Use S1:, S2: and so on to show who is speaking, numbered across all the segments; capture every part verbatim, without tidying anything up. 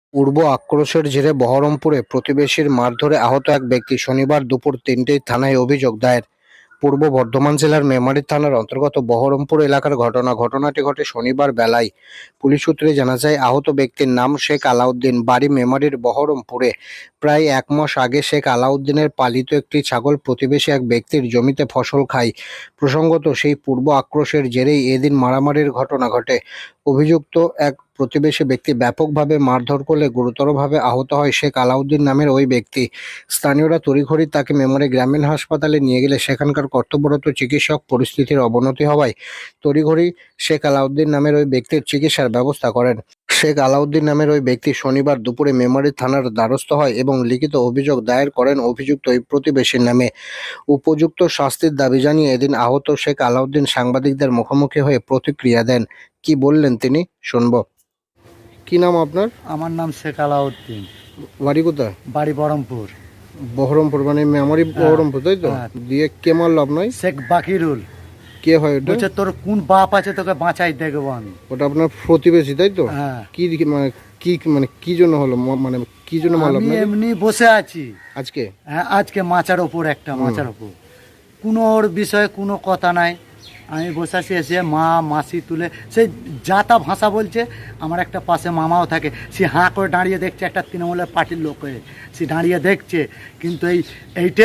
S1: পূর্ব আক্রোশের জেরে বহরমপুরে প্রতিবেশীর মারধরে আহত এক ব্যক্তি। শনিবার দুপুর তিনটেয় থানায় অভিযোগ দায়ের। পূর্ব বর্ধমান জেলার মেমারি থানার অন্তর্গত বহরমপুর এলাকার ঘটনা। ঘটনাটি ঘটে শনিবার বেলায়। পুলিশ সূত্রে জানা যায়, আহত ব্যক্তির নাম শেখ আলাউদ্দিন, বাড়ি মেমারির বহরমপুরে। প্রায় এক মাস আগে শেখ আলাউদ্দিনের পালিত একটি ছাগল প্রতিবেশী এক ব্যক্তির জমিতে ফসল খায়। প্রসঙ্গত, সেই পূর্ব আক্রোশের জেরেই এদিন মারামারির ঘটনা ঘটে। অভিযুক্ত এক প্রতিবেশী ব্যক্তি ব্যাপকভাবে মারধর করলে গুরুতরভাবে আহত হয় শেখ আলাউদ্দিন নামের ওই ব্যক্তি। স্থানীয়রা তড়িঘড়ি তাকে মেমারি গ্রামীণ হাসপাতালে নিয়ে গেলে সেখানকার কর্তব্যরত চিকিৎসক পরিস্থিতির অবনতি হওয়ায় তড়িঘড়ি শেখ আলাউদ্দিন নামের ওই ব্যক্তির চিকিৎসার ব্যবস্থা করেন। শেখ আলাউদ্দিন নামের ওই ব্যক্তি শনিবার দুপুরে মেমারি থানার দ্বারস্থ হয় এবং লিখিত অভিযোগ দায়ের করেন অভিযুক্ত ওই প্রতিবেশীর নামে। উপযুক্ত শাস্তির দাবি জানিয়ে এদিন আহত শেখ আলাউদ্দিন সাংবাদিকদের মুখোমুখি হয়ে প্রতিক্রিয়া দেন। কি বললেন তিনি, শুনব। কি নাম আপনার?
S2: আমার নাম শেখ আলাউদ্দিন।
S1: বাড়ি কোথায়?
S2: বাড়ি বহরমপুর।
S1: বহরমপুর মানে মেমারি বহরমপুর, তাই তো?
S2: হ্যাঁ।
S1: দিয়ে কে মারলো আপনার?
S2: শেখ বাকিরুল।
S1: কে হয় ওটা?
S2: বলছে তোর কোন বাপ আছে তোকে বাঁচাই দেখবো আমি।
S1: ওটা আপনার প্রতিবেশী, তাই তো?
S2: হ্যাঁ।
S1: কি দিকে- মানে কি মানে কি জন্য হলো, ম- মানে কি জন্য মারলো
S2: আমি
S1: আপনাকে?
S2: এমনি বসে আছি
S1: আজকে
S2: হ্যাঁ, আজকে মাচার ওপর একটা মাচার ওপর কোনো ওর বিষয়ে কোনো কথা নাই। আমি বসে আছি, এসে মা মাসি তুলে সেই যাতা ভাষা বলছে। আমার একটা পাশে মামাও থাকে, সে হাঁ করে দাঁড়িয়ে দেখছে, একটা তৃণমূলের পার্টির লোক হয়ে সে দাঁড়িয়ে দেখছে। কিন্তু এই এইটে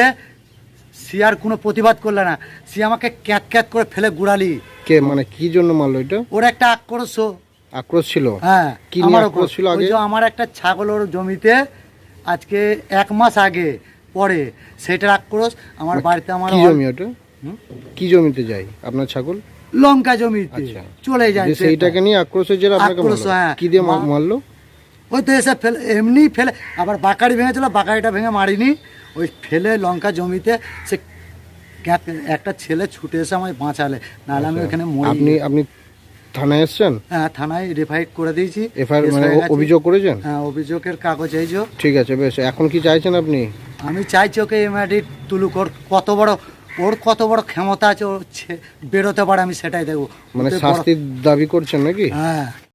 S2: সে আর কোনো প্রতিবাদ করলে না, সে আমাকে ক্যাত ক্যাত করে ফেলে গুড়ালি।
S1: কে মানে কি জন্য মারলো এটা?
S2: ওর একটা আক্রোশ।
S1: আক্রোশ ছিল?
S2: হ্যাঁ,
S1: কি নিয়ে
S2: আমার
S1: আক্রোশ ছিল আগে?
S2: ওই যে আমার একটা ছাগল ওর জমিতে আজকে এক মাস আগে পরে, সেটার আক্রোশ। আমার বাড়িতে আমার
S1: কি জমি ওটা?
S2: হুম?
S1: কি জমিতে যায় আপনার ছাগল?
S2: লঙ্কা জমিতে
S1: আচ্ছা।
S2: চলে যায়
S1: যে সেইটাকে নিয়ে আক্রোশের জেরে আপনাকে
S2: আক্রোশ,
S1: মারলো?
S2: হ্যাঁ।
S1: কি দিয়ে মা-
S2: মা-
S1: মারলো?
S2: ওই তো এসে ফেলে, এমনি ফেলে। আবার বাকারি ভেঙেছিল, বাকারিটা ভেঙে মারিনি, ওই ফেলে লঙ্কা জমিতে সে ক্যাত- একটা ছেলে ছুটে এসে আমায় বাঁচালে, নাহলে আমি ওখানে মরে
S1: আপনি আপনি থানায় এসছেন?
S2: হ্যাঁ, থানায় রেফাইট করে দিয়েছি।
S1: এফআইআর
S2: কেস
S1: মানে
S2: হয়ে
S1: অ-
S2: গেছে।
S1: অভিযোগ করেছেন?
S2: হ্যাঁ, অভিযোগের কাগজ এই যে।
S1: ঠিক আছে, বেশ। এখন কি চাইছেন আপনি?
S2: আমি চাইছি ওকে এমআইডি তুলুক। ওর কত বড় ওর কত বড় ক্ষমতা আছে, ওর ছে- বেরোতে পারে, আমি সেটাই দেখবো।
S1: মানে
S2: ওতে বড়-
S1: শাস্তির দাবি করছেন নাকি?
S2: হ্যাঁ।